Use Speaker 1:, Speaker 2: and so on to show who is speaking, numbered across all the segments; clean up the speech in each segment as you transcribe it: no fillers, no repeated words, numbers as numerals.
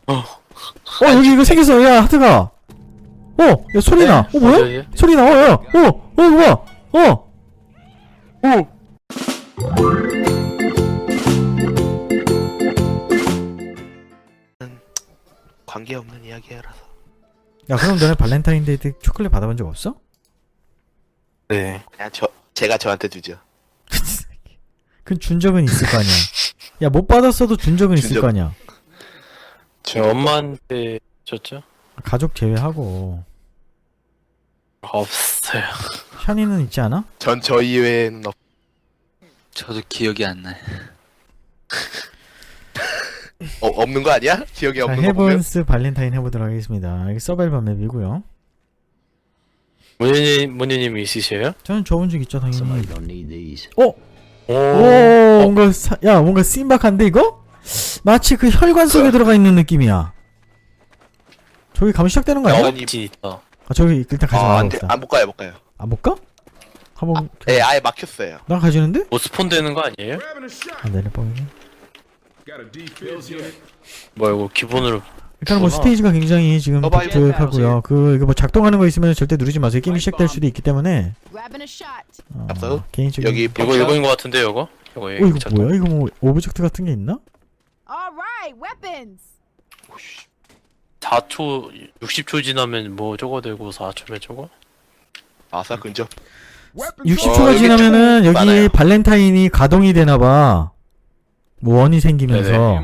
Speaker 1: 여기 이거 생겼어. 야, 하트가. 야, 소리 나. 뭐야?
Speaker 2: 어디?
Speaker 1: 소리 나. 야. 이거 봐.
Speaker 3: 관계없는 이야기라서.
Speaker 1: 야, 그럼 너네 발렌타인데이 때 초콜릿 받아본 적 없어?
Speaker 2: 네.
Speaker 3: 그냥 제가 저한테 주죠.
Speaker 1: 그 준 적은 있을 거 아니야. 야, 못 받았어도 준 적은 있을
Speaker 3: 준 적-
Speaker 1: 거 아니야.
Speaker 2: 제 엄마한테 줬죠?
Speaker 1: 가족 제외하고.
Speaker 2: 없어요.
Speaker 1: 샤니는 있지 않아?
Speaker 3: 전 저 이외에는
Speaker 4: 저도 기억이 안 나요.
Speaker 3: 없는 거 아니야? 기억이
Speaker 1: 자,
Speaker 3: 없는 거 보면.
Speaker 1: 헤븐스 발렌타인 해보도록 하겠습니다. 이게 서바이벌 맵이고요.
Speaker 2: 문희님이 있으세요?
Speaker 1: 저는 줘본 적 있죠, 당연히.
Speaker 2: 오.
Speaker 1: 뭔가 뭔가 신박한데 이거? 마치 그 혈관 속에 들어가 있는 느낌이야. 저기 가면 시작되는 거 아니야?
Speaker 2: 진 있다.
Speaker 1: 저기 일단 가지
Speaker 3: 안
Speaker 1: 말아봅시다.
Speaker 3: 못 가요, 못 가요.
Speaker 1: 안 볼까? 한번.
Speaker 3: 예, 아예 막혔어요.
Speaker 1: 나 가지는데?
Speaker 2: 뭐 스폰 되는 거 아니에요?
Speaker 1: 내려 뻥이네.
Speaker 2: 뭐 이거 기본으로
Speaker 1: 일단 뭐 스테이지가 굉장히 지금
Speaker 3: 서바이벌
Speaker 1: 독특하고요. 이거 뭐 작동하는 거 있으면 절대 누르지 마세요. 게임이 시작될 수도 있기 때문에.
Speaker 3: 앞서?
Speaker 1: 개인적인.
Speaker 3: 여기
Speaker 2: 이거인 거 같은데 이거? 이거
Speaker 1: 이거 뭐야? 이거 뭐 오브젝트 같은 게 있나?
Speaker 2: 4초 60초 지나면 뭐 저거 되고 4초면 저거?
Speaker 3: 아사 근접.
Speaker 1: 60초가
Speaker 3: 여기
Speaker 1: 지나면은
Speaker 3: 총
Speaker 1: 여기
Speaker 3: 많아요.
Speaker 1: 발렌타인이 가동이 되나봐. 뭐 원이 생기면서.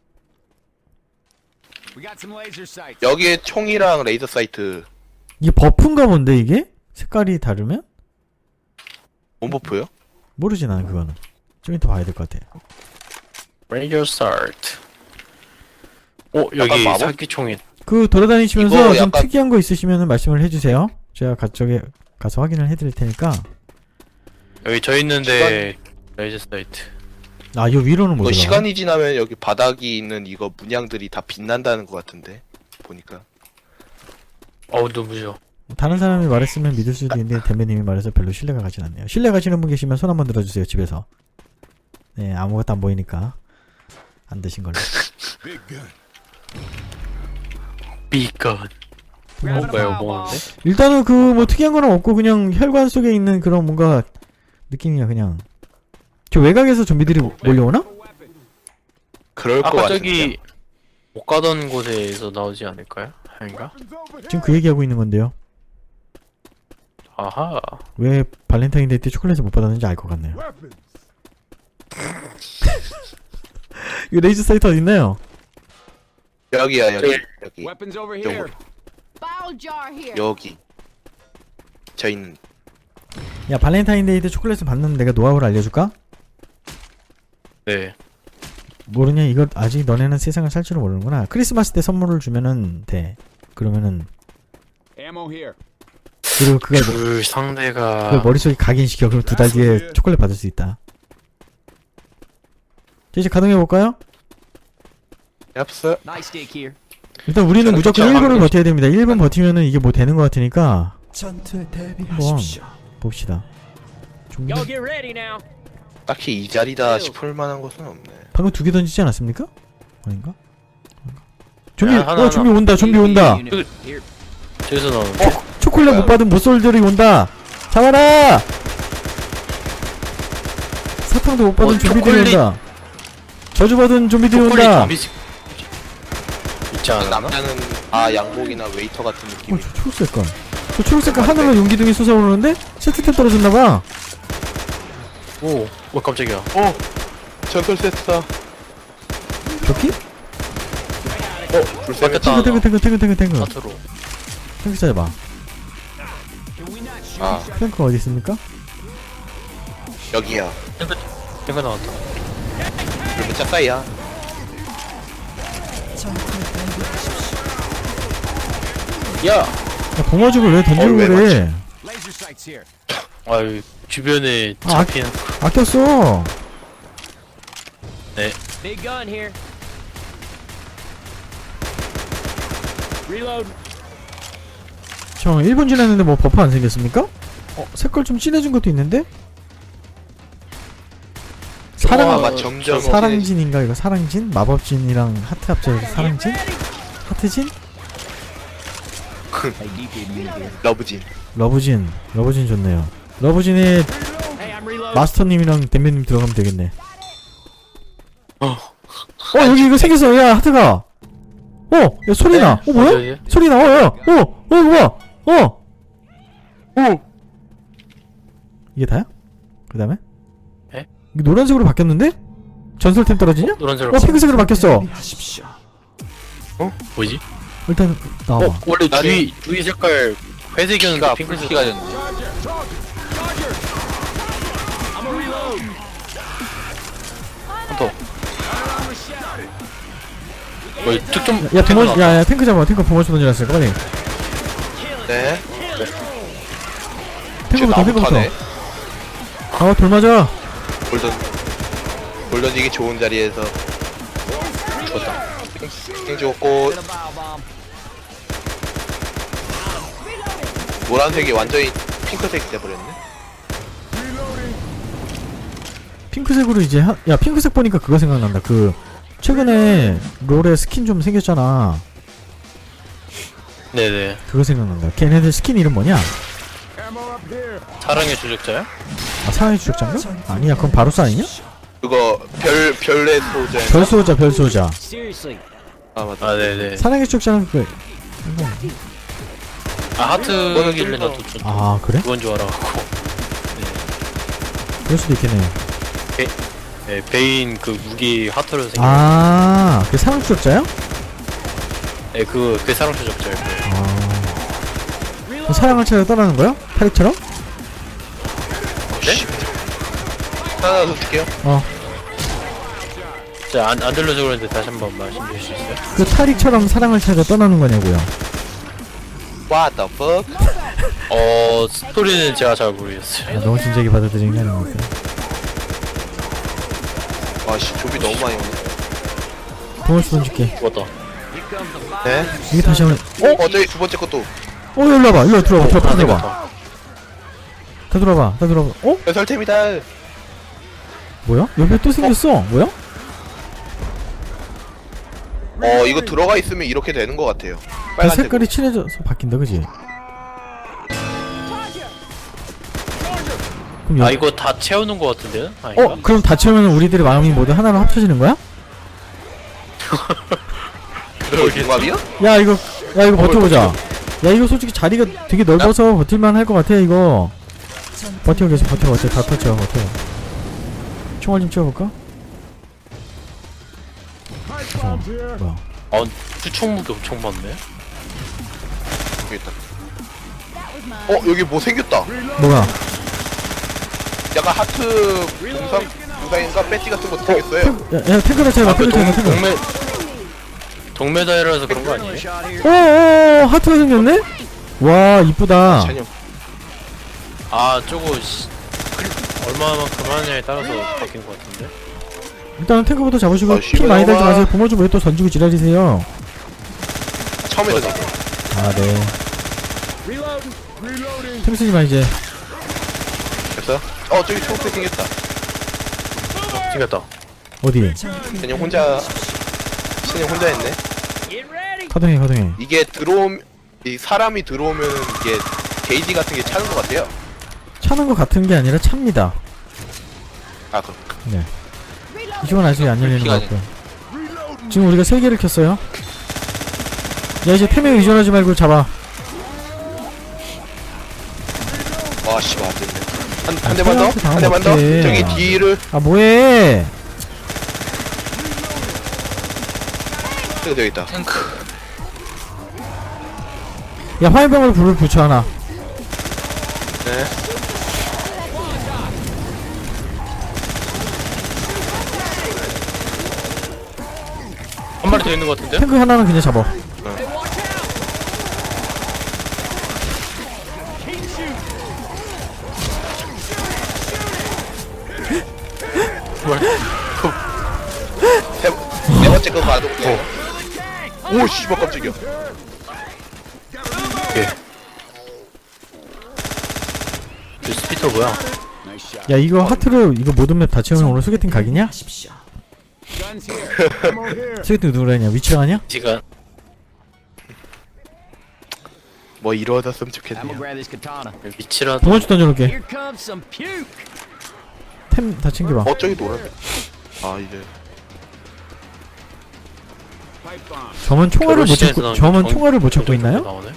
Speaker 3: 여기에 총이랑 레이저 사이트.
Speaker 1: 이게 버프인가 본데 이게? 색깔이 다르면?
Speaker 3: 온버프요?
Speaker 1: 모르지 나는 그거는. 좀 이따 봐야 될 것 같아.
Speaker 2: 레이저 스타트. 여기
Speaker 3: 약간 마법?
Speaker 2: 사기총이
Speaker 1: 그 돌아다니시면서
Speaker 3: 이거
Speaker 1: 좀
Speaker 3: 약간-
Speaker 1: 특이한 거 있으시면 말씀을 해주세요. 제가 저기 가서 확인을 해드릴 테니까.
Speaker 2: 여기 저 있는데 레이저 사이트.
Speaker 1: 아, 요 위로는 못
Speaker 3: 이거
Speaker 1: 올라가.
Speaker 3: 시간이 지나면 여기 바닥이 있는 이거 문양들이 다 빛난다는 것 같은데 보니까.
Speaker 2: 눈부셔.
Speaker 1: 다른 사람이 말했으면 믿을 수도 있는데 대표님이 말해서 별로 신뢰가 가진 않네요. 신뢰 가시는 분 계시면 손 한번 들어주세요. 집에서. 네, 아무것도 안 보이니까 안 되신 걸로.
Speaker 2: 비건. 뭐가요? 뭐는데?
Speaker 1: 일단은 그 뭐 특이한 거는 없고 그냥 혈관 속에 있는 그런 뭔가 느낌이야 그냥. 저 외곽에서 좀비들이 몰려오나?
Speaker 3: 그럴 것
Speaker 2: 아까
Speaker 3: 같은데.
Speaker 2: 저기 못 가던 곳에서 나오지 않을까요? 아닌가?
Speaker 1: 지금 그 얘기하고 있는 건데요.
Speaker 2: 아하.
Speaker 1: 왜 발렌타인데이 때 초콜릿을 못 받았는지 알 것 같네요. 이거 레이저 사이트 어디 있나요?
Speaker 3: 여기야 여기 여기
Speaker 5: Weapons over
Speaker 3: here.
Speaker 5: here.
Speaker 3: 여기. 저 있는.
Speaker 1: 야, 발렌타인데이 때 초콜릿을 받는 내가 노하우를 알려줄까?
Speaker 2: 네.
Speaker 1: 모르냐? 이거 아직 너네는 세상을 살 줄은 모르는구나. 크리스마스 때 선물을 주면은 돼. 그러면은
Speaker 5: Ammo here.
Speaker 1: 그리고 그걸
Speaker 2: 그 상대가
Speaker 1: 그걸 머릿속에 각인시켜. 그럼 2달 뒤에 초콜릿 받을 수 있다. 자, 이제 가동해볼까요?
Speaker 3: 얍스.
Speaker 5: Nice steak here.
Speaker 1: 일단 우리는
Speaker 3: 저는
Speaker 1: 무조건
Speaker 3: 진짜
Speaker 1: 1분을
Speaker 3: 한
Speaker 1: 버텨야 됩니다. 1분 버티면은 이게 뭐 되는 것 같으니까
Speaker 6: 전투에
Speaker 1: 한번
Speaker 6: 대비하십시오.
Speaker 1: 봅시다. 좀비
Speaker 5: Y'all get ready now.
Speaker 3: 딱히 이 자리다 싶을 만한 것은 없네.
Speaker 1: 방금 2개 던지지 않았습니까? 아닌가? 좀비
Speaker 2: 야, 하나,
Speaker 1: 좀비 온다. 좀비 온다.
Speaker 5: Unit here.
Speaker 2: 저기서 나오는
Speaker 1: 초콜릿 못 받은 모쏠들이 온다. 잡아라. 사탕도 못 받은 좀비들이
Speaker 2: 초콜릿.
Speaker 1: 온다. 저주받은 좀비들이
Speaker 2: 초콜릿
Speaker 1: 온다.
Speaker 2: 좀비 있지 않았나?
Speaker 3: 남자는 양복이나 웨이터 같은 느낌이.
Speaker 1: 저 초록색깔. 저 초록색깔 하늘로 용기둥이 솟아오르는데 세트템 떨어졌나봐.
Speaker 2: 오 깜짝이야.
Speaker 3: 전설 세트다.
Speaker 1: 저기?
Speaker 3: 불쌍해.
Speaker 2: 맞겠다.
Speaker 1: 탱크.
Speaker 2: 하트로.
Speaker 1: 탱크 찾아봐.
Speaker 3: 아
Speaker 1: 탱크 어디 있습니까?
Speaker 3: 여기야.
Speaker 2: 탱크 나왔다.
Speaker 3: 그러면 짝사이야.
Speaker 6: 전투에 대비하십시오.
Speaker 3: 야.
Speaker 1: 야, 봉화죽을 왜 던지고
Speaker 3: 왜
Speaker 1: 그래?
Speaker 5: Laser sights here.
Speaker 2: 아유 주변에
Speaker 1: 아,
Speaker 2: 잡히는
Speaker 1: 아꼈어.
Speaker 5: Big gun here. Reload.
Speaker 1: 저 1분 지났는데 뭐 버프 안 생겼습니까? 색깔 좀 진해진 것도 있는데?
Speaker 3: 아마 점점
Speaker 1: 사랑진인가 이거 사랑진? 마법진이랑 하트 합쳐서 사랑진? 하트진?
Speaker 5: Hey, DP me here.
Speaker 3: 러브진.
Speaker 1: 러브진 좋네요. 러브진에
Speaker 5: Hey, I'm reloading.
Speaker 1: 마스터님이랑 댐배님 들어가면 되겠네. 여기 이거 생겼어. 야 하트가. 야 소리 나. 뭐야?
Speaker 2: 어디, 어디?
Speaker 1: 소리 나. 이거 봐. 이게 다야? 그 다음에?
Speaker 2: 에?
Speaker 1: 이게 노란색으로 바뀌었는데? 전설템 떨어지냐?
Speaker 2: 노란색으로
Speaker 1: 핑크색으로 바뀌었어.
Speaker 2: 뭐지?
Speaker 1: 일단 나와봐.
Speaker 2: 원래
Speaker 3: 나는-
Speaker 2: 주위 색깔 회색이었는데
Speaker 4: 피가
Speaker 2: 핑크색.
Speaker 4: 피가 됐네.
Speaker 5: I'm a reload.
Speaker 2: 더. 특좀.
Speaker 1: 야 부모 야 탱크 잡아. 탱크 부모스 던져놨어. 빨리.
Speaker 3: 네.
Speaker 1: 탱크부터 탱크부터.
Speaker 3: 나부터네.
Speaker 1: 돌 맞아.
Speaker 3: 골 던지기 좋은 자리에서
Speaker 2: 죽었다.
Speaker 3: 행 죽었고
Speaker 5: Get a bow bomb.
Speaker 3: 노란색이 완전히 핑크색이 돼버렸네.
Speaker 1: 핑크색으로 이제 야 핑크색 보니까 그거 생각난다. 그 최근에 롤에 스킨 좀 생겼잖아.
Speaker 2: 네네.
Speaker 1: 그거 생각난다. 걔네들 스킨 이름 뭐냐?
Speaker 5: Ammo up here.
Speaker 2: 사랑의 조력자야?
Speaker 1: 아 사랑의 추적자인가? 아니야 그건 바루스 아니냐?
Speaker 3: 그거 별의 소자.
Speaker 1: 별수호자.
Speaker 5: Seriously.
Speaker 3: 아 맞다.
Speaker 2: 아 네네.
Speaker 1: 사랑의 추적자는 그
Speaker 2: 아 하트길래 나도 좀
Speaker 1: 아 그래?
Speaker 2: 그건 줄 알아갖고.
Speaker 1: 그럴 수도 있겠네.
Speaker 2: 네, 베인 그 무기 하트로 생긴.
Speaker 1: 그 사랑 추적자야?
Speaker 2: 네, 그 사랑 조력자예요.
Speaker 1: 그 사랑을 찾아 떠나는 거야? 타릭처럼?
Speaker 3: 네? 하나 더 줄게요.
Speaker 2: 진짜 안 들려서 그러는데 다시 한번 말씀해 주실 수 있어요?
Speaker 1: 그 타릭처럼 사랑을 찾아 떠나는 거냐고요.
Speaker 3: What the fuck?
Speaker 2: 스토리는 제가 잘 모르겠어요.
Speaker 1: 너무 진지하게 받아들이는 게 아닙니까?
Speaker 3: 아씨 조비 너무 많이 오네.
Speaker 1: 부모스 던질게.
Speaker 2: 죽었다.
Speaker 3: 네.
Speaker 1: 이게 다시 한번
Speaker 3: 저기 두 번째 것도
Speaker 1: 일로 와봐. 일로 들어와. 들어와.
Speaker 2: 다
Speaker 1: 들어와.
Speaker 2: 생겼다.
Speaker 1: 다 들어와봐. 다 들어와봐.
Speaker 3: 배설템이다.
Speaker 1: 뭐야? 옆에 또 생겼어. 뭐야?
Speaker 3: 이거 들어가 있으면 이렇게 되는 것 같아요.
Speaker 1: 그
Speaker 3: 빨간색.
Speaker 1: 색깔이 칠해져서 바뀐다, 그지? 그럼
Speaker 2: 아 이거 다 채우는 것 같은데요? 아닌가?
Speaker 1: 그럼 다 채우면 우리들의 마음이 모두 하나로 합쳐지는 거야?
Speaker 3: 그걸 동갑이요?
Speaker 1: 야 이거 버텨보자. 야 이거 솔직히 자리가 되게 넓어서 버틸만 할 것 같아 이거. 버텨 계속 버텨. 다 터져 버텨. 총알 좀 채워볼까? 뭐야?
Speaker 2: 수총 무기 엄청 많네.
Speaker 3: 여기 있다. 여기 뭐 생겼다.
Speaker 1: 뭐가?
Speaker 3: 약간 하트 동상인가 배지 같은 거 생겼어요.
Speaker 1: 야 탱크를 채워봐.
Speaker 2: 그
Speaker 1: 탱크를 채워봐. 탱크.
Speaker 2: 동메달이라서 그런 거 아니에요?
Speaker 5: Shot here.
Speaker 1: 하트가 생겼네? 와 이쁘다.
Speaker 3: 찬영.
Speaker 2: 아 저거 얼마만큼 하느냐에 따라서 바뀐 것 같은데.
Speaker 1: 일단은 탱크부터 잡으시고 피
Speaker 3: 시원하다.
Speaker 1: 많이 달지 마세요. 부모 좀 왜 또 던지고 지랄이세요?
Speaker 3: 처음에 도
Speaker 1: 아 네. 탱크 쓰지 마 이제.
Speaker 3: 됐어? 저기 초록색 생겼다.
Speaker 2: 생겼다.
Speaker 1: 어디?
Speaker 3: 찬영 혼자 했네.
Speaker 5: Get ready.
Speaker 1: 가동해.
Speaker 3: 이게 이 사람이 들어오면 이게 게이지 같은 게 차는 것 같아요.
Speaker 1: 차는 거 같은 게 아니라 찹니다.
Speaker 3: 아 그럼.
Speaker 1: 네. 이쪽은 아직 안 열리는 것
Speaker 4: 피가
Speaker 1: 같고요. 지금 우리가 3개를 켰어요. 야 이제 템에 의존하지 말고 잡아.
Speaker 3: 와 씨발 안 됐네. 한 대만 더?
Speaker 1: 사람한테 당하면
Speaker 3: 한 대만 더?
Speaker 1: 어떡해.
Speaker 3: 저기 뒤를
Speaker 1: 아 뭐해?
Speaker 3: 저기 있다.
Speaker 4: 탱크.
Speaker 1: 야 화염병으로 불을 붙여 하나.
Speaker 3: 네.
Speaker 2: 한 마리 더 있는 것 같은데?
Speaker 1: 탱크 하나는 그냥 잡아.
Speaker 3: 네 번째 거 봐도. 오 씨발 깜짝이야.
Speaker 2: 이 스피터 뭐야?
Speaker 5: Nice shot.
Speaker 1: 야 이거 하트로 이거 모든 맵 다 채우면 오늘 소개팅 각이냐?
Speaker 5: Guns here. Ammo here.
Speaker 1: 소개팅 누구라 했냐? 위치랑 하냐?
Speaker 2: 시간
Speaker 3: 뭐 이루어졌으면
Speaker 5: I'm
Speaker 3: 좋겠네요.
Speaker 5: gonna grab this katana.
Speaker 2: 위치라도
Speaker 1: 붕어치 던져놓을게.
Speaker 5: Here comes some puke.
Speaker 1: 템 다 챙겨봐.
Speaker 3: 저기 노란데. 아 이제
Speaker 5: Pipe bomb.
Speaker 1: 저만 총알을 못
Speaker 2: 결혼식장에서
Speaker 1: 찾고
Speaker 2: 나온
Speaker 1: 저만
Speaker 2: 정-
Speaker 1: 총알을 못 찾고 있나요?
Speaker 2: 나오네?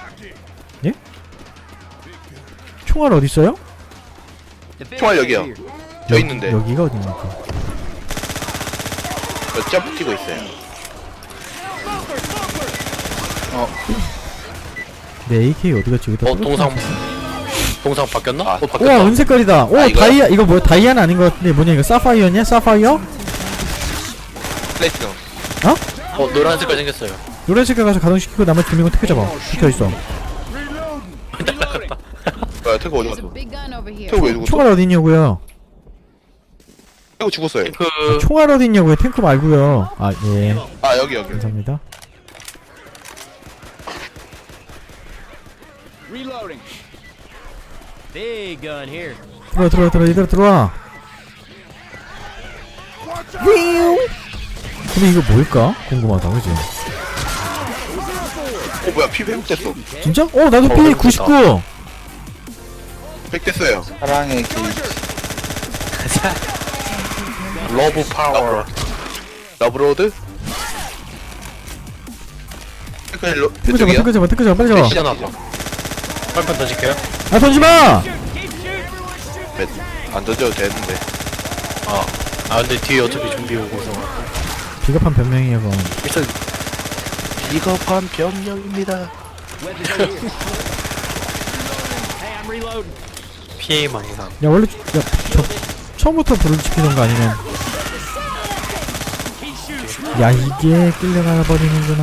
Speaker 1: 총알 어디 있어요?
Speaker 3: 총알 여기요. 저 있는데
Speaker 1: 여기가 어디입니까?
Speaker 3: 저 붙이고 있어요.
Speaker 1: 내 AK 어디 갔지? 여기다.
Speaker 2: 동상 바뀌었나?
Speaker 3: 아,
Speaker 2: 바뀌었다.
Speaker 1: 우와 은색깔이다. 오
Speaker 3: 아, 이거요?
Speaker 1: 다이아 이거 뭐야? 다이아는 아닌 것 같은데 뭐냐 이거 사파이어냐? 사파이어?
Speaker 3: 플래티넘.
Speaker 2: 노란 색깔 생겼어요.
Speaker 1: 노란 색깔 가서 가동시키고 나머지 두 명은 택배 잡아. 붙어 있어.
Speaker 3: 야 태그 어디
Speaker 6: There's a
Speaker 3: 갔어?
Speaker 6: big gun over here.
Speaker 3: 태그 왜 죽었어?
Speaker 1: 총알 어디 있냐고요?
Speaker 3: 태그 죽었어요.
Speaker 2: 그
Speaker 1: 총알 어디 있냐고요? 탱크 말고요. 아 예.
Speaker 3: 아 여기.
Speaker 1: 감사합니다.
Speaker 5: Reloading. Big gun here.
Speaker 1: 들어와 이대로 들어와. 근데 이거 뭘까? 궁금하다 그지?
Speaker 3: 뭐야 피 회복됐어.
Speaker 1: 진짜? 나도 피
Speaker 2: 그렇다.
Speaker 1: 99.
Speaker 3: 회복됐어요.
Speaker 4: 사랑의 게이지.
Speaker 2: 러브 파워.
Speaker 3: 러브로드. 태그 저기요.
Speaker 1: 탱크 잡아 빨리 잡아.
Speaker 2: 시간 아파. 빨판 던질게요.
Speaker 1: 아 던지마!
Speaker 3: 안 던져도 되는데.
Speaker 2: 근데 뒤에 어차피 좀비 오고서.
Speaker 1: 비겁한 변명이야 그건.
Speaker 2: 일단
Speaker 3: 비겁한 병력입니다.
Speaker 5: Weapons over here. Hey, I'm reloading.
Speaker 2: 피해 망상.
Speaker 1: 야 원래 처음부터 불을 지피는 거 아니면 야 이게 끌려가 버리는구나.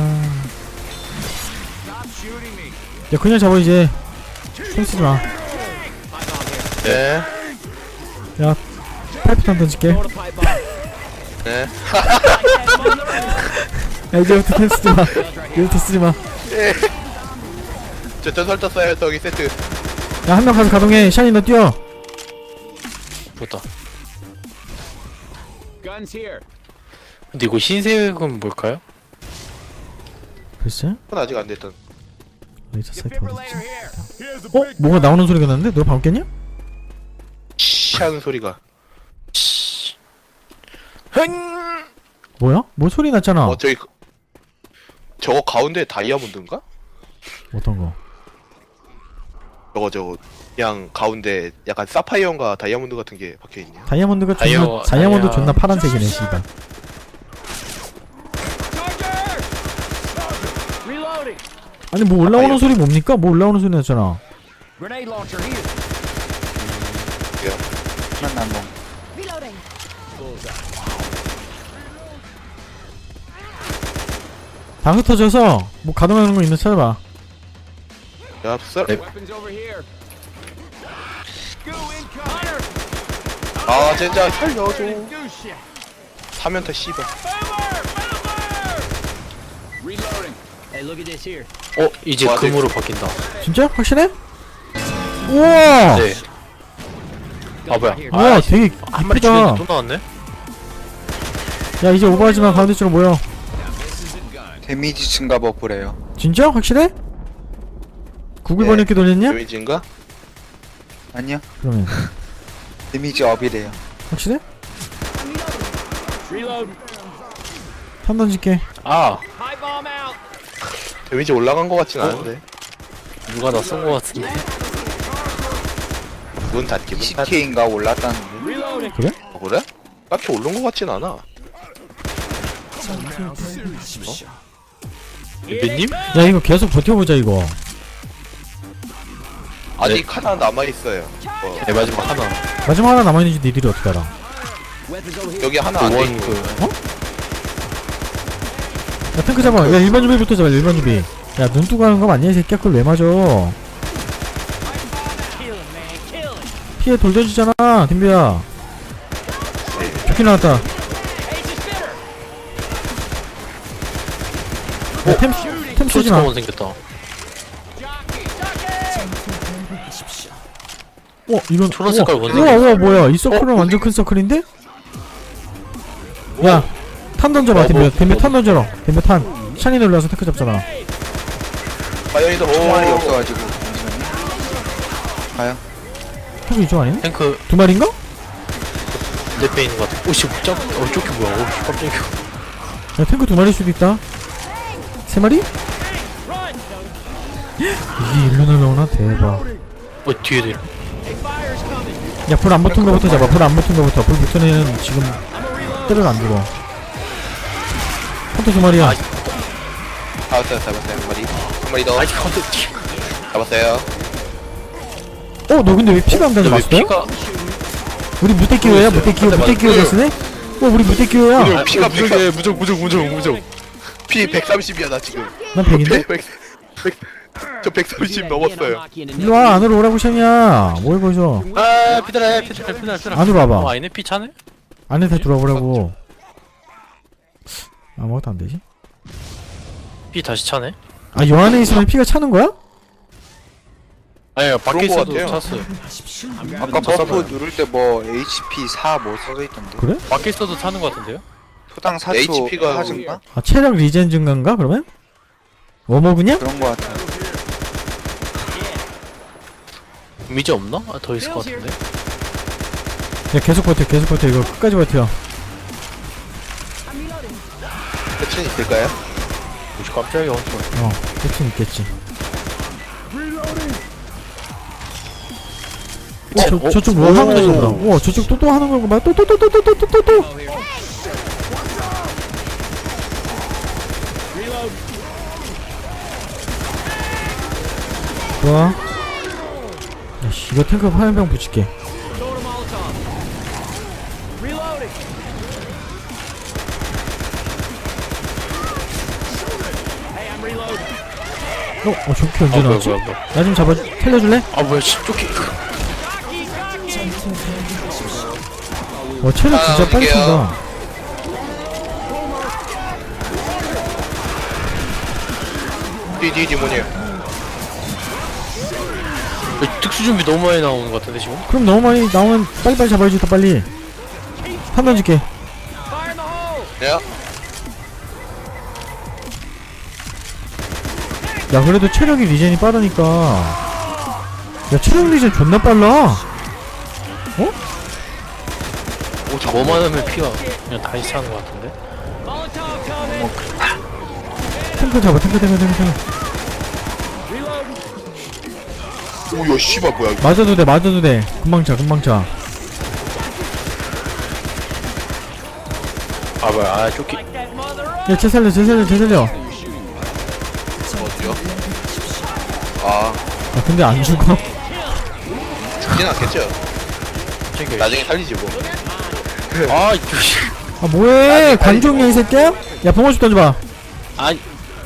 Speaker 1: 야 그냥 잡아 이제. 손 쓰지 마.
Speaker 3: 네.
Speaker 1: 야 파이프탄 던질게.
Speaker 5: Throwing a pipe bomb.
Speaker 3: 네.
Speaker 1: 야 이제부터 펜 쓰지 마. 이제부터 쓰지 마.
Speaker 3: 저 전설 떴어요. 저기 세트.
Speaker 1: 야 한 명 가서 가동해. 샤니 너 뛰어.
Speaker 2: 좋다.
Speaker 5: Guns here.
Speaker 2: 근데 이거 흰색은 뭘까요?
Speaker 1: 글쎄.
Speaker 3: 그건 아직 안 됐던.
Speaker 1: 레이저 사이트
Speaker 5: Defibrillator
Speaker 1: 어디지?
Speaker 5: here.
Speaker 1: 뭐가 나오는 소리가 났는데? 너 방금 깼냐?
Speaker 3: 씨 하는 소리가.
Speaker 1: 뭐야? 뭐 소리 났잖아.
Speaker 3: 저기 저거 가운데 다이아몬드인가?
Speaker 1: 어떤 거?
Speaker 3: 저거 그냥 가운데 약간 사파이어인가 다이아몬드 같은 게 박혀 있네요.
Speaker 1: 다이아몬드가 존나
Speaker 2: 다이아-
Speaker 1: 다이아몬드
Speaker 2: 다이아-
Speaker 1: 존나 파란색이네 씨발.
Speaker 5: Reloading.
Speaker 1: 아니 뭐 올라오는
Speaker 3: 다이아-
Speaker 1: 소리 뭡니까? 뭐 올라오는 소리 났잖아.
Speaker 5: Grenade launcher here.
Speaker 4: 만나면
Speaker 6: Reloading.
Speaker 1: 다 흩어져서 뭐 가동하는 거 있는 찾아봐.
Speaker 3: 야, 썰.
Speaker 5: Weapons over here. Goo incoming.
Speaker 3: 아, 진짜 살려줘.
Speaker 5: Goo shit.
Speaker 3: 사면타 씨발.
Speaker 5: Reloading. Hey, look at this here.
Speaker 2: 이제
Speaker 3: 와,
Speaker 2: 금으로 바뀐다.
Speaker 1: 진짜? 확실해? 우와!
Speaker 2: 네. 아 뭐야?
Speaker 1: 우와 되게
Speaker 2: 한 마리
Speaker 1: 이쁘다.
Speaker 2: 죽였는데 또 나왔네?
Speaker 1: 야 이제 오버하지마. 가운데 쪽으로 모여.
Speaker 4: 데미지 증가 버프래요.
Speaker 1: 진짜? 확실해? 구글
Speaker 3: 네.
Speaker 1: 번역기 돌렸냐?
Speaker 3: 데미지인가?
Speaker 4: 아니요.
Speaker 1: 그러면
Speaker 4: 데미지 업이래요.
Speaker 1: 확실해?
Speaker 5: Reload.
Speaker 1: 탄 던질게.
Speaker 5: Pipe bomb out.
Speaker 3: 데미지 올라간 거 같진 않은데.
Speaker 2: 누가 나 쏜 거 같은데.
Speaker 3: 문 닫기. 문 닫기.
Speaker 4: 20K인가 올랐다는데.
Speaker 5: Reloading.
Speaker 1: 그래?
Speaker 3: 그래? 딱히 오른 거 같진 않아.
Speaker 2: 님
Speaker 1: 야 이거 계속 버텨보자 이거.
Speaker 3: 아직 하나 남아 있어요.
Speaker 2: 네 마지막 하나.
Speaker 1: 마지막 하나 남아있는지 니들이 어떻게 알아?
Speaker 5: Weapons over here.
Speaker 3: 여기 하나 안 돼
Speaker 2: 원
Speaker 3: 있고.
Speaker 1: 야 탱크 잡아. 야 일반 준비부터 잡아. 일반 준비. 야 눈뜨고 하는 거 맞냐 이 새끼야. 그걸 왜 맞아?
Speaker 5: Kill him, man. Kill him.
Speaker 1: 피해 돌 던지잖아 딘비야. 좋게 나왔다.
Speaker 5: Ace is fitter.
Speaker 1: 야템 쓰지마.
Speaker 2: 초스카원 생겼다.
Speaker 1: 이건
Speaker 2: 초록 색깔
Speaker 1: 우와,
Speaker 2: 원색이
Speaker 1: 우와 뭐야 이 서클은 완전 큰 서클인데? 야 탄 던져봐 딘비. 딘비 탄 던져라. 딘비 탄 샤니 놀라서 테크 잡잖아.
Speaker 3: 마연이도
Speaker 4: 총알이
Speaker 3: 오.
Speaker 4: 없어가지고 잠시만요. 가요.
Speaker 1: 탱크 이쪽 아니네?
Speaker 2: 탱크
Speaker 1: 두 마리인가?
Speaker 2: 내 빼 있는 것 같아. 오씨 깜. 저기 뭐야? 오 깜짝이야.
Speaker 1: 야 탱크 두 마리일 수도 있다. 세 마리? 이게 일로 날라오나? 대박.
Speaker 2: 뒤에도 있네.
Speaker 1: 야 불 안 붙은 거부터 잡아. 불 안 붙은 거부터. 불 붙은 애는 지금 때려도 안 죽어. 헌터 두 마리야.
Speaker 3: 잡았어요 한 마리. 한 마리 더.
Speaker 2: 아니 컨트
Speaker 3: 잡았어요.
Speaker 1: 너 근데 왜 피가 안 닿아?
Speaker 2: 왜
Speaker 1: 맞았어요?
Speaker 2: 피가
Speaker 1: 우리 무대기호야? 무대기호 됐으네? 우리 무대기호야.
Speaker 3: 피가
Speaker 2: 무적.
Speaker 3: 피 130이야 나 지금.
Speaker 1: 난 100인데?
Speaker 3: 저 130 넘었어요.
Speaker 1: 일로와 안으로 오라고 샹이야. 뭘 거기서
Speaker 2: 아 피드라.
Speaker 1: 안으로 와봐.
Speaker 2: 아니네 피 차네?
Speaker 1: 안에 다 들어와보라고. 아무것도 안 되지?
Speaker 2: 피 다시 차네?
Speaker 1: 아, 요 안에 있으면 피가 차는 거야?
Speaker 2: 아니요 밖에
Speaker 3: 그런 거
Speaker 2: 있어도
Speaker 3: 같아요.
Speaker 2: 찼어요.
Speaker 4: 아까 버프 누를 때 뭐 HP 4 뭐 써져있던데.
Speaker 1: 그래?
Speaker 2: 밖에 있어도 차는 것 같은데요?
Speaker 4: 소당 4초
Speaker 3: HP가
Speaker 4: 하진가?
Speaker 1: 아, 체력 리젠 증가인가, 그러면? 뭐 먹으냐?
Speaker 4: 그런 거 같아.
Speaker 2: 미지 없나? 더 있을 것 같은데.
Speaker 1: 야, 계속 버텨, 이거 끝까지 버텨.
Speaker 3: 끝은 있을까요?
Speaker 2: 오씨 깜짝이야 엄청.
Speaker 1: 끝은 있겠지. 저쪽 뭐 하는 거지, 보다. 우와, 저쪽 또 하는 거고, 막, 또. 좋아. 야씨, 이거 탱크 화염병 붙일게. 저기 언제 나왔지?
Speaker 2: 뭐야.
Speaker 1: 나 좀 잡아, 살려줄래?
Speaker 2: 아 뭐야 씨 쪼끼.
Speaker 1: 체력 진짜 빨리
Speaker 3: 움직여요.
Speaker 1: 쏜다.
Speaker 3: 뒤 뭐냐?
Speaker 2: 특수 준비 너무 많이 나오는 것 같은데 지금?
Speaker 1: 그럼 너무 많이 나오면 빨리빨리 잡아야지, 더 빨리. 판단 줄게.
Speaker 3: 야,
Speaker 1: 야, 그래도 체력이 리젠이 빠르니까. 야, 체력 리젠 존나 빨라.
Speaker 2: 뭐만 하면 피가 그냥 다시 차는 것 같은데?
Speaker 1: 탱크 잡아, 탱크.
Speaker 3: 오야 씨발 뭐야? 이거.
Speaker 1: 맞아도 돼. 금방 차.
Speaker 2: 아 뭐야 쪼끼.
Speaker 1: 야, 쟤 살려.
Speaker 3: 어디요?
Speaker 1: 야, 근데 안 죽어.
Speaker 3: 죽진 않겠죠?
Speaker 2: 챙겨.
Speaker 3: 나중에 살리지 뭐.
Speaker 2: 아 이씨.
Speaker 1: 아, 뭐해? 관종이야, 이 새끼야? 야, 봉어슛 던져봐.
Speaker 2: 아이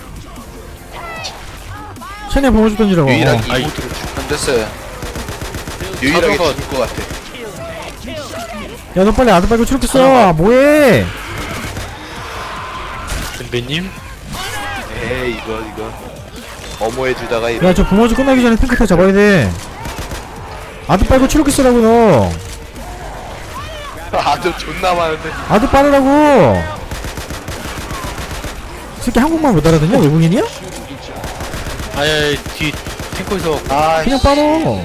Speaker 1: 쟤네 봉어슛 던지라고.
Speaker 3: 유일하게
Speaker 2: 아이.
Speaker 3: 이모트를
Speaker 4: 던졌어요.
Speaker 3: 유일하게
Speaker 2: 사도가-
Speaker 3: 죽을 것 같아.
Speaker 1: 야, 너 빨리 아들 빨고 추룩 써. 뭐해?
Speaker 2: 선배님?
Speaker 3: 에이 이거 어머해 주다가 이런.
Speaker 1: 야, 저 봉어슛 끝나기 전에 탱크 다 잡아야 돼. 아들 빨고 추룩 쓰라고, 너.
Speaker 3: 아주 존나 많은데.
Speaker 1: 아들 빠르라고. 이 새끼 한국말 못 알아듣냐? 외국인이야?
Speaker 2: 아니 뒤 탱커에서
Speaker 3: 아,
Speaker 1: 그냥 빨어.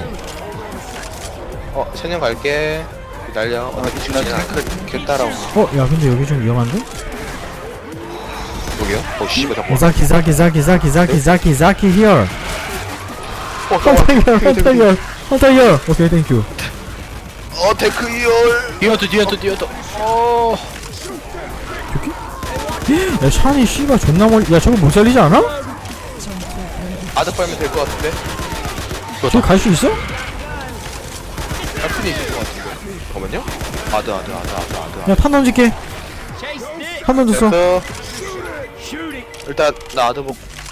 Speaker 3: 천연 갈게. 기다려. 어차피
Speaker 4: 나
Speaker 3: 죽진 않아.
Speaker 4: 탱크 개 따라오네.
Speaker 1: 야, 근데 여기 좀 위험한데?
Speaker 3: 여기요? 씨발 잠깐.
Speaker 1: 자키 here. 헌터 here. 오케이, 땡큐.
Speaker 3: 테크 이얼.
Speaker 2: 뒤에도
Speaker 1: 야, 샤니 씨가 존나 멀리. 야, 저거 못 살리지 않아?
Speaker 3: 아드 빨면 될 것 같은데.
Speaker 1: 저기 갈 수 있어?
Speaker 3: 할순이 있을 것 같은데. 잠깐만요. 아드.
Speaker 1: 야, 탄 던질게. 탄 던졌어.
Speaker 3: 됐어. 일단 나 아드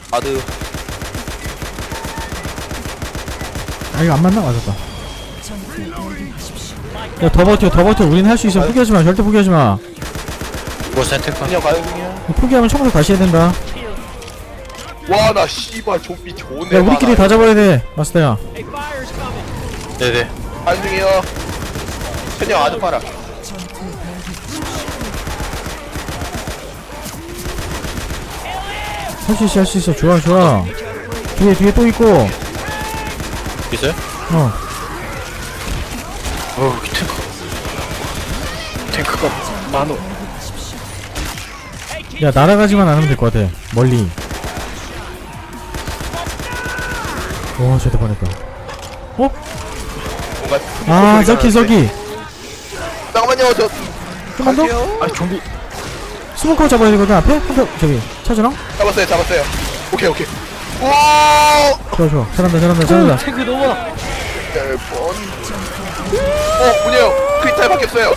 Speaker 1: 아, 이거 안 맞나? 맞았다. 야, 더 버텨. 우린 할 수 있어. 포기하지 마. 절대 포기하지 마.
Speaker 2: 뭐 탱커.
Speaker 3: 그냥 가요 그냥.
Speaker 1: 포기하면 처음부터 다시 해야 된다.
Speaker 3: 와 나 씨발 좀비 좋네.
Speaker 1: 야, 우리끼리 다 잡아야 돼. 마스터야.
Speaker 2: 네네.
Speaker 3: 안중이요. 천연 아드 빨아.
Speaker 1: 할 수 있어. 좋아. 뒤에 또 있고.
Speaker 2: 있어요?
Speaker 1: 어.
Speaker 2: 탱크가 많어.
Speaker 1: 야, 날아가지만 않으면 될 것 같아. 멀리. 오, 저대 뻔했다. 어?
Speaker 3: 뭔가
Speaker 1: 아, 저기.
Speaker 3: 잠깐만요 저
Speaker 1: 좀만 더?
Speaker 3: 아 좀비
Speaker 1: 스모커 잡아야 되거든, 앞에? 저기, 차주랑?
Speaker 3: 잡았어요. 오케이. 오
Speaker 1: 좋아. 잘한다.
Speaker 2: 탱크 너무 많아.
Speaker 3: 10번. 문이요. 크리탈 바뀌었어요.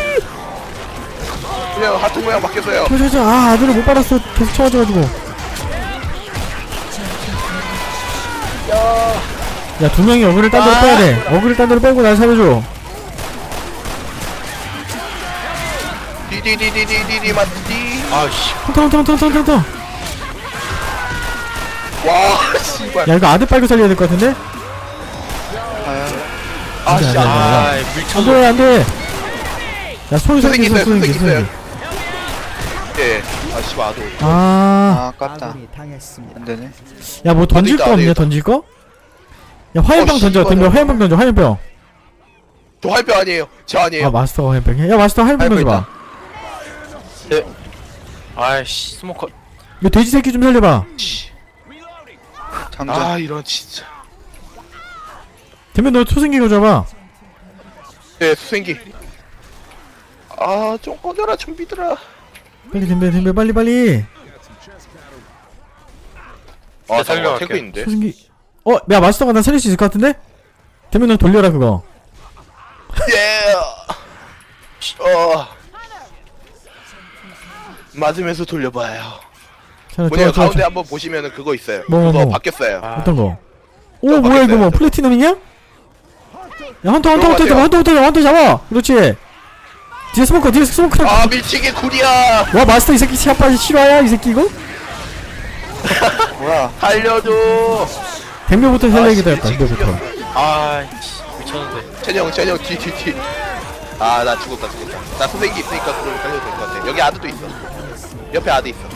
Speaker 3: 문이요. 하트 모양 바뀌었어요.
Speaker 1: 저. 아, 아들을 못 받았어. 계속 쳐가지고. 야, 두 명이 어그를 딴 데로 빼야 돼. 어그를 딴 데로 빼고 날 살려줘.
Speaker 3: 디디디디디디 맞디.
Speaker 2: 아씨.
Speaker 1: 헌터.
Speaker 3: 와 씨발.
Speaker 1: 야, 이거 아들 빨고 살려야 될 것 같은데?
Speaker 3: 아씨
Speaker 2: 아 밀쳐서.
Speaker 1: 안 돼. 야, 소생기 있어.
Speaker 3: 예. 아 씨발 아도.
Speaker 1: 아,
Speaker 4: 아깝다.
Speaker 6: 아군이 당했습니다.
Speaker 4: 안 되네.
Speaker 1: 야, 뭐 던질 거
Speaker 3: 안
Speaker 1: 없냐,
Speaker 3: 되겠다.
Speaker 1: 던질 거? 야, 화염병 던져.
Speaker 3: 씨발.
Speaker 1: 덤벼, 화염병 던져, 화염병.
Speaker 3: 저 할배 아니에요. 저 아니에요.
Speaker 1: 아, 마스터 화염병. 야, 마스터 화염병
Speaker 4: 화염병
Speaker 1: 던져봐.
Speaker 2: 아이씨 스모커.
Speaker 1: 이거 돼지 새끼 좀 살려봐.
Speaker 4: 장전.
Speaker 3: 아 이런 진짜.
Speaker 1: 덤벼, 너 소생기 가져와봐.
Speaker 3: 예 수생기. 아 좀 꺼져라 좀비들아.
Speaker 1: 빨리 덤벼, 빨리.
Speaker 3: 아
Speaker 2: 살려갈게요.
Speaker 3: 탱크 있는데.
Speaker 1: 소생기. 야, 마스터가 나 살릴 수 있을 것 같은데? 덤벼, 너 돌려라, 그거.
Speaker 3: 예. 맞으면서 돌려봐요. 뭐냐 가운데 한번 보시면은 그거 있어요.
Speaker 1: 뭐.
Speaker 3: 그거 바뀌었어요.
Speaker 1: 어떤 거? 오,
Speaker 3: 저
Speaker 1: 뭐야, 이거 뭐,
Speaker 3: 바뀌었어요.
Speaker 1: 플래티넘이냐? 야, 헌터
Speaker 3: 그런 것
Speaker 1: 잡아, 잡아! 그렇지! 뒤에 스모커.
Speaker 3: 아 밀치기 굴이야.
Speaker 1: 와, 마스터 이 새끼 시합까지 실화야, 이 새끼 이거?
Speaker 4: 뭐야?
Speaker 3: 살려줘.
Speaker 1: 댐벼부터 살려야겠다,
Speaker 3: 씨,
Speaker 1: 약간,
Speaker 3: 지금
Speaker 1: 댐벼부터.
Speaker 2: 아이씨 미쳤는데.
Speaker 3: 찬영 뒤. 아 나 죽었다. 나 소생기 있으니까 그걸 살려도 될 것 같아. 여기 아드도 있어. 옆에 아드 있어.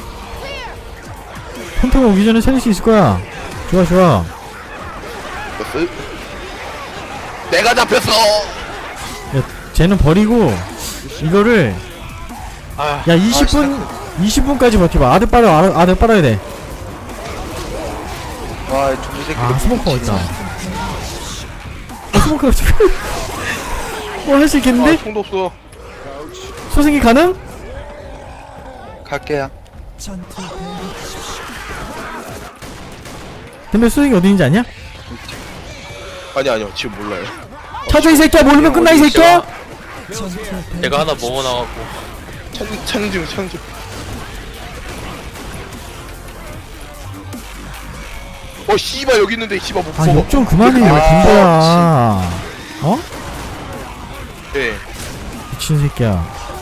Speaker 1: 헌터가 오기 전에 살릴 수 있을 거야. 좋아.
Speaker 3: 버스. 내가 잡혔어.
Speaker 1: 야, 쟤는 버리고, 이거를,
Speaker 2: 아.
Speaker 1: 야, 20분까지 버텨봐. 아들 빨아야 돼.
Speaker 4: 와, 좀비 새끼.
Speaker 1: 아, 스모커 어딨다. 스모커 어딨다. 할 수 있겠는데?
Speaker 3: 총도 없어.
Speaker 1: 소생기 가능?
Speaker 4: 갈게요.
Speaker 6: 전투
Speaker 1: 덤벼 소생기 어디 있는지 아냐?
Speaker 3: 아니요 지금 몰라요.
Speaker 1: 찾아, 이 새끼야. 모르면 끝나, 이 새끼야.
Speaker 2: 얘가 하나 먹어나갖고.
Speaker 3: 창중. 씨발 여기 있는데 씨발 못
Speaker 1: 아,
Speaker 3: 먹어.
Speaker 1: 욕 좀 그만해. 왜 덤벼야. 어?
Speaker 3: 예.
Speaker 1: 미친 새끼야.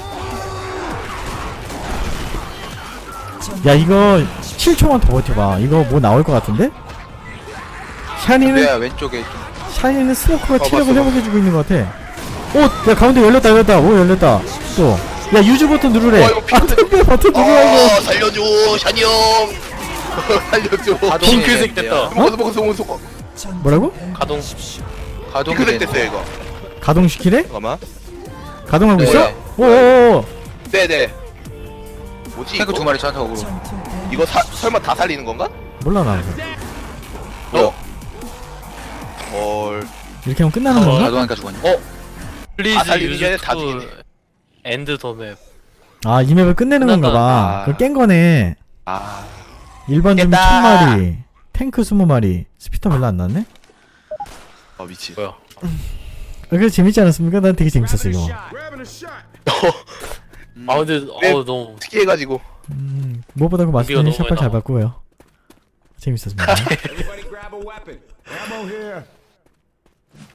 Speaker 1: 야, 이거 7초만 더 버텨봐. 이거 뭐 나올 것 같은데? 샤니는
Speaker 4: 왼쪽에 좀.
Speaker 1: 스모커가 체력을
Speaker 3: 봤어.
Speaker 1: 회복해주고 있는 것 같아. 야, 가운데 열렸다. 오, 열렸다. 또. 야, 유즈 버튼 누르래.
Speaker 3: 이거 핑크색.
Speaker 1: 덤벼 버튼 누르라고.
Speaker 3: 살려줘 샤니 형. 살려줘.
Speaker 2: 핑크색 됐다.
Speaker 3: 먹어.
Speaker 1: 뭐라고?
Speaker 2: 가동.
Speaker 3: 핑크색 됐어요 이거.
Speaker 1: 가동시키래?
Speaker 3: 잠깐만.
Speaker 1: 가동하고
Speaker 3: 네.
Speaker 1: 있어? 오오오.
Speaker 3: 네네. 뭐지
Speaker 4: 탱크
Speaker 3: 이거?
Speaker 4: 두 마리 저한테 오고.
Speaker 3: 이거 설마 다 살리는 건가?
Speaker 1: 몰라, 나.
Speaker 3: 헐.
Speaker 1: 이렇게 하면 끝나는 건가?
Speaker 4: 가동하니까 죽었네.
Speaker 3: 다
Speaker 2: 플리즈
Speaker 3: 살리기 전에
Speaker 2: 유즈
Speaker 3: 다
Speaker 2: 투
Speaker 3: 죽이네.
Speaker 2: 엔드 더 맵.
Speaker 1: 아, 이 맵을 끝내는 건가 봐.
Speaker 3: 아.
Speaker 1: 그걸 깬 거네.
Speaker 3: 아.
Speaker 1: 일반 좀비
Speaker 3: 깼다.
Speaker 1: 1000마리, 탱크 20마리. 스피터 별로 안 나왔네?
Speaker 3: 미치.
Speaker 2: 뭐야?
Speaker 1: 그래서 재밌지 않았습니까? 난 되게 재밌었어, 이거.
Speaker 2: 아 근데
Speaker 3: 네.
Speaker 2: 너무
Speaker 3: 특이해가지고.
Speaker 1: 무엇보다 그 마스터님
Speaker 2: 너무
Speaker 1: 샷발 잘
Speaker 2: 나와.
Speaker 1: 봤고요. 재밌었습니다.
Speaker 5: Everybody grab a weapon. Ammo here.